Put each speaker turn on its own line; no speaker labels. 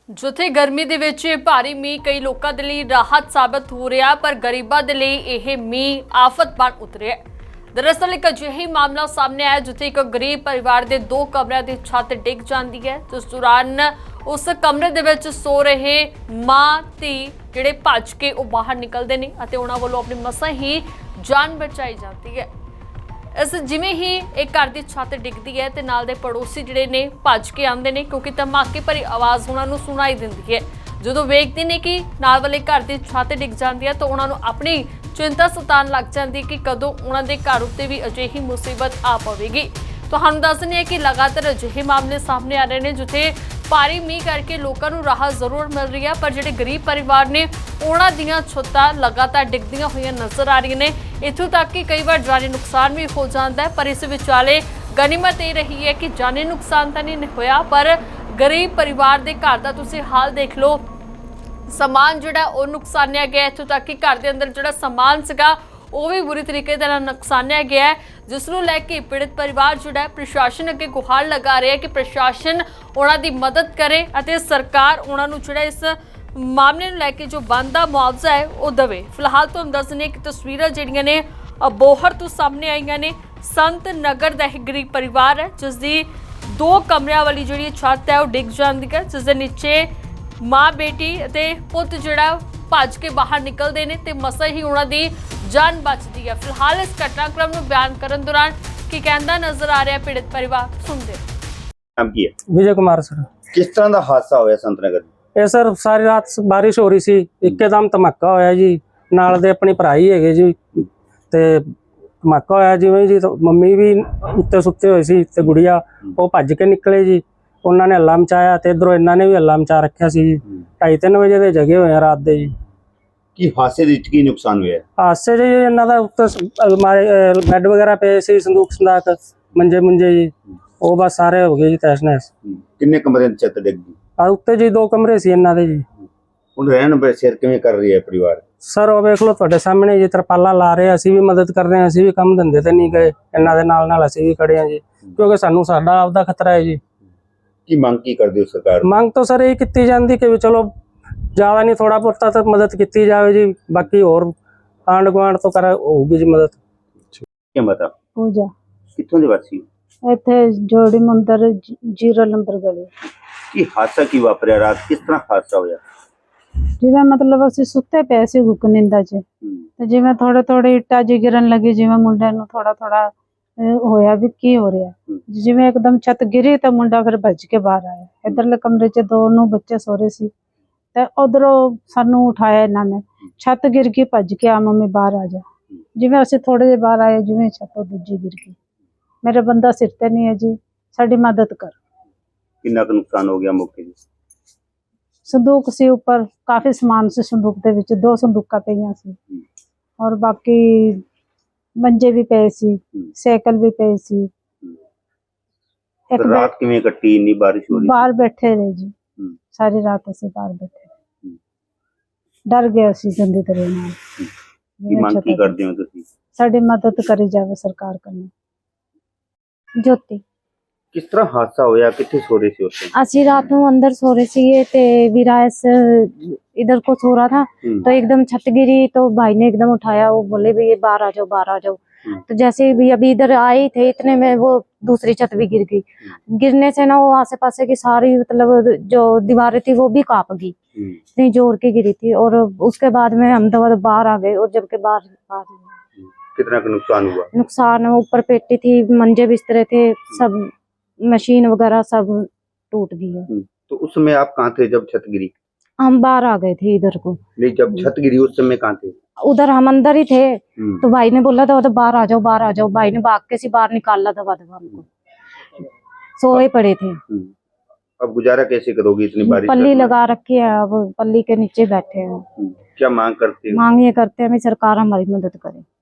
ਜਿੱਥੇ ਗਰਮੀ ਦੇ ਵਿੱਚ ਭਾਰੀ ਮੀਂਹ ਕਈ ਲੋਕਾਂ ਦੇ ਲਈ ਰਾਹਤ ਸਾਬਤ ਹੋ ਰਿਹਾ, ਪਰ ਗਰੀਬਾਂ ਦੇ ਲਈ ਇਹ ਮੀਂਹ ਆਫਤ ਬਣ ਉਤਰਿਆ। ਦਰਅਸਲ ਇੱਕ ਅਜਿਹਾ ਮਾਮਲਾ ਸਾਹਮਣੇ ਆਇਆ ਜਿੱਥੇ ਇੱਕ ਗਰੀਬ ਪਰਿਵਾਰ ਦੇ 2 ਕਮਰਿਆਂ ਦੀ ਛੱਤ ਡਿੱਗ ਜਾਂਦੀ ਹੈ। ਜਿਸ ਦੌਰਾਨ ਉਸ ਕਮਰੇ ਦੇ ਵਿੱਚ ਸੋ ਰਹੇ ਮਾਂ ਧੀ ਜਿਹੜੇ ਭੱਜ ਕੇ ਉਹ ਬਾਹਰ ਨਿਕਲਦੇ ਨੇ ਅਤੇ ਉਹਨਾਂ ਵੱਲੋਂ ਆਪਣੀ ਮਸਾਂ ਹੀ ਜਾਨ ਬਚਾਈ ਜਾਂਦੀ ਹੈ। ਇਸ ਜਿਵੇਂ ही एक घर की छत डिगती है तो नाल दे पड़ोसी जिहड़े ने भज के आते हैं क्योंकि धमाके भरी आवाज़ उन्होंने सुनाई देती है। जो वेखते हैं कि नाल वाले घर की छत डिग जाती है तो उन्होंने अपनी चिंता सतान लग जाती है कि कदों उन्होंने घर उत्ते भी अजिही मुसीबत आ पवेगी। तुहानूं दस दिंदे हां कि लगातार अजिहे मामले सामने आ रहे हैं जिथे भारी मीह करके लोगों को राहत जरूर मिल रही है, पर जिहड़े गरीब परिवार ने उन्हां दीयां छत्तां लगातार डिगदियां होईयां नज़र आ रही ने। इत्थों तक कि कई बार जानी नुकसान भी हो जाता है, पर इस विचाले गनीमत ये रही है कि जानी नुकसान तो नहीं होया, पर गरीब परिवार के घर का तुसीं हाल देख लो, समान जिहड़ा वो नुकसानिया गया। इत्थों तक कि घर के अंदर जिहड़ा समान सीगा वो भी बुरी तरीके नाल नुकसानिया गया है, जिसनूं लैके पीड़ित परिवार जिहड़ा प्रशासन अगे गुहार लगा रहा है कि प्रशासन उन्हां दी मदद करे अते सरकार उन्हां नूं जिहड़ा इस मामले नूं लैके जो बनदा मुआवजा है वो देवे। फिलहाल तुहानूं दस दिंदे कि तस्वीरां जिहड़ियां ने अबोहर तो सामने आईयां ने। संत नगर दा एक गरीब परिवार है जिसदी 2 कमरियां वाली जिहड़ी छत है वो डिग जांदी है, जिस दे नीचे माँ बेटी अते पुत जिहड़ा भज के बाहर निकलते हैं तो मसा ही उन्होंने जान बचती है। फिलहाल इस घटनाक्रम को बयान करने दौरान की कहता नजर आ रहा है पीड़ित परिवार, सुनते
नाम की है?
विजय कुमार सर।
किस तरह का हादसा होया संत नगर?
ਇਹ ਸਰ ਸਾਰੀ ਰਾਤ ਬਾਰਿਸ਼ ਹੋ ਰਹੀ ਸੀ, ਇੱਕਦਮ ਧਮਾਕਾ ਹੋਇਆ ਜੀ। ਨਾਲ ਦੇ ਆਪਣੀ ਭਰਾਈ ਹੈਗੇ ਜੀ ਤੇ ਧਮਾਕਾ ਹੋਇਆ ਜਿਵੇਂ ਜੀ ਮੰਮੀ ਵੀ ਉੱਤੇ ਸੁੱਤੇ ਹੋਏ ਸੀ ਤੇ ਗੁੜੀਆ ਉਹ ਭੱਜ ਕੇ ਨਿਕਲੇ ਜੀ। ਉਹਨਾਂ ਨੇ ਹੱਲਾ ਮਚਾਇਆ ਤੇ ਇਧਰੋਂ ਇਹਨਾਂ ਨੇ ਵੀ ਹੱਲਾ ਮਚਾ ਰੱਖਿਆ ਸੀ ਜੀ। 2:30 ਵਜੇ ਦੇ ਜਗੇ ਹੋਏ ਆ ਰਾਤ ਦੇ ਜੀ।
ਕੀ ਹਾਦਸੇ ਦੇ ਵਿੱਚ ਕੀ ਨੁਕਸਾਨ ਹੋਇਆ?
ਹਾਦਸੇ ਜੀ ਇਹਨਾਂ ਦਾ ਉੱਤੇ ਬੈੱਡ ਵਗੈਰਾ ਪਏ ਸੀ, ਸੰਦੂਕ ਸੰਦਾਕ ਮੰਜੇ ਮੁੰਜੇ ਜੀ, ਉਹ ਬਸ ਸਾਰੇ ਹੋ ਗਏ ਜੀ ਤਹਿਸ ਨਹਿਸ।
ਕਿੰਨੇ ਕਮਰੇ ਦੀ ਛੱਤ ਡਿੱਗ ਗਈ?
ਆ ਉੱਤੇ ਜੀ 2 ਕਮਰੇ ਸੀ ਇਹਨਾਂ ਦੇ ਜੀ।
ਹੁਣ ਰਹਿਣ ਬਸੇਰ ਕਿਵੇਂ ਕਰ ਰਹੀ ਹੈ ਪਰਿਵਾਰ?
ਸਰ ਉਹ ਵੇਖ ਲਓ ਤੁਹਾਡੇ ਸਾਹਮਣੇ ਜੀ, ਤਰਪਾਲਾਂ ਲਾ ਰਹੇ, ਅਸੀਂ ਵੀ ਮਦਦ ਕਰ ਰਹੇ ਹਾਂ, ਅਸੀਂ ਵੀ ਕੰਮ ਧੰਦੇ ਤੇ ਨਹੀਂ ਗਏ, ਇਹਨਾਂ ਦੇ ਨਾਲ ਅਸੀਂ ਵੀ ਖੜੇ ਹਾਂ ਜੀ, ਕਿਉਂਕਿ ਸਾਨੂੰ ਸਾਡਾ ਆਪਦਾ ਖਤਰਾ ਹੈ ਜੀ।
ਕੀ ਮੰਗ ਕੀ ਕਰਦੇ ਹੋ ਸਰਕਾਰ?
ਮੰਗ ਤਾਂ ਸਰ ਇਹ ਕੀਤੀ ਜਾਂਦੀ ਕਿ ਵੀ ਚਲੋ ਜ਼ਿਆਦਾ ਨਹੀਂ ਥੋੜਾ ਬਹੁਤਾ ਤਾਂ ਮਦਦ ਕੀਤੀ ਜਾਵੇ ਜੀ, ਬਾਕੀ ਹੋਰ ਆਂਢ ਗੁਆਂਢ ਤੋਂ ਕਰ ਹੋਊਗੀ ਜੀ ਮਦਦ।
ਕੀ ਬਤਾ?
ਪੂਜਾ
ਕਿੱਥੋਂ ਦੇ ਵਾਸੀ?
ਇੱਥੇ ਜੋੜੀ ਮੰਦਰ 0 ਨੰਬਰ ਗਲੀ।
ਕੀ ਹਾਦਸਾ ਕੀ ਵਾਪਰਿਆ ਰਾਤ? ਕਿਸ ਤਰ੍ਹਾਂ ਹਾਦਸਾ ਹੋਇਆ?
ਜਿਵੇਂ ਮਤਲਬ ਅਸੀਂ ਸੁੱਤੇ ਪਏ ਸੀ ਨਿੰਦਾ 'ਚ ਤੇ ਜਿਵੇਂ ਥੋੜੇ ਇੱਟਾਂ ਜਿਹੀ ਗਿਰਨ ਲੱਗੀ, ਜਿਵੇਂ ਮੁੰਡੇ ਨੂੰ ਥੋੜਾ ਹੋਇਆ ਵੀ ਕੀ ਹੋ ਰਿਹਾ। ਜਿਵੇਂ ਇੱਕਦਮ ਛੱਤ ਗਿਰੀ ਤਾਂ ਮੁੰਡਾ ਫਿਰ ਭੱਜ ਕੇ ਬਾਹਰ ਆਇਆ। ਇੱਧਰਲੇ ਕਮਰੇ 'ਚ 2 ਬੱਚੇ ਸੋ ਰਹੇ ਸੀ ਤੇ ਉਧਰੋਂ ਸਾਨੂੰ ਉਠਾਇਆ ਇਹਨਾਂ ਨੇ, ਛੱਤ ਗਿਰ ਗਈ, ਭੱਜ ਕੇ ਆ ਮੰਮੀ ਬਾਹਰ ਆ ਜਾ। ਜਿਵੇਂ ਅਸੀਂ ਥੋੜੇ ਜਿਹੇ ਬਾਹਰ ਆਏ, ਜਿਵੇਂ ਛੱਤ ਦੂਜੀ ਗਿਰ ਗਈ। ਮੇਰਾ ਬੰਦਾ ਸਿਰ ਤੇ ਨਹੀਂ ਹੈ ਜੀ, ਸਾਡੀ ਮਦਦ ਕਰ।
ਕਿੰਨਾ ਕੁ ਨੁਕਸਾਨ ਹੋ ਗਿਆ ਮੌਕੇ ਤੇ?
संदूक से ऊपर काफी सामान से संदूक दे विच 2 संदूका पईयां सी और बाकी मंजे भी पे सी, साइकिल भी पे सी।
एक रात किवें कट्टी? इन्नी बारिश हो रही?
बाहर बैठे रहे जी, सारी रात असीं बाहर बैठे, डर गए असीं गंदी तरह नाल।
की मांग की करदे हो तुसीं?
साडी मदद करी जावे सरकार कन्नै। ज्योति
किस तरह हादसा होया? कित्थे सो रहे थे उस
ਅਸੀਂ ਰਾਤ ਨੂੰ ਅੰਦਰ ਸੋ ਰਹੇ ਸੀਗੇ ਤੇ विरायस इधर को सो रहा था तो एकदम छत गिरी तो भाई ने एकदम उठाया, वो बोले भी ये बाहर आ जाओ। तो जैसे भी अभी इधर आए थे इतने में वो दूसरी छत भी गिर गई। गिरने से ना वो आसे पासे की सारी मतलब जो दीवारें थी वो भी कांप गई, इतनी जोर की गिरी थी। और उसके बाद में हम तो बाहर आ गए, और जबकि बाहर
कितना का नुकसान हुआ?
नुकसान ऊपर पेटी थी, मंजे बिस्तरे थे, सब मशीन वगैरह सब टूट गई है।
तो उस समय आप कहाँ थे जब छत गिरी?
हम बाहर आ गए थे इधर को।
नहीं, जब छत गिरी उस समय कहाँ थे?
उधर हम अंदर ही थे। तो भाई ने बोला था तो बाहर आ जाओ। भाई ने भाग के सी बाहर निकाला दबा हमको, सोए पड़े थे।
अब गुजारा कैसे करोगी इतनी बारिश?
पल्ली लगा रखी है, अब पल्ली के नीचे बैठे हैं।
क्या मांग करते हो?
मांग ये करते हैं सरकार हमारी मदद करे।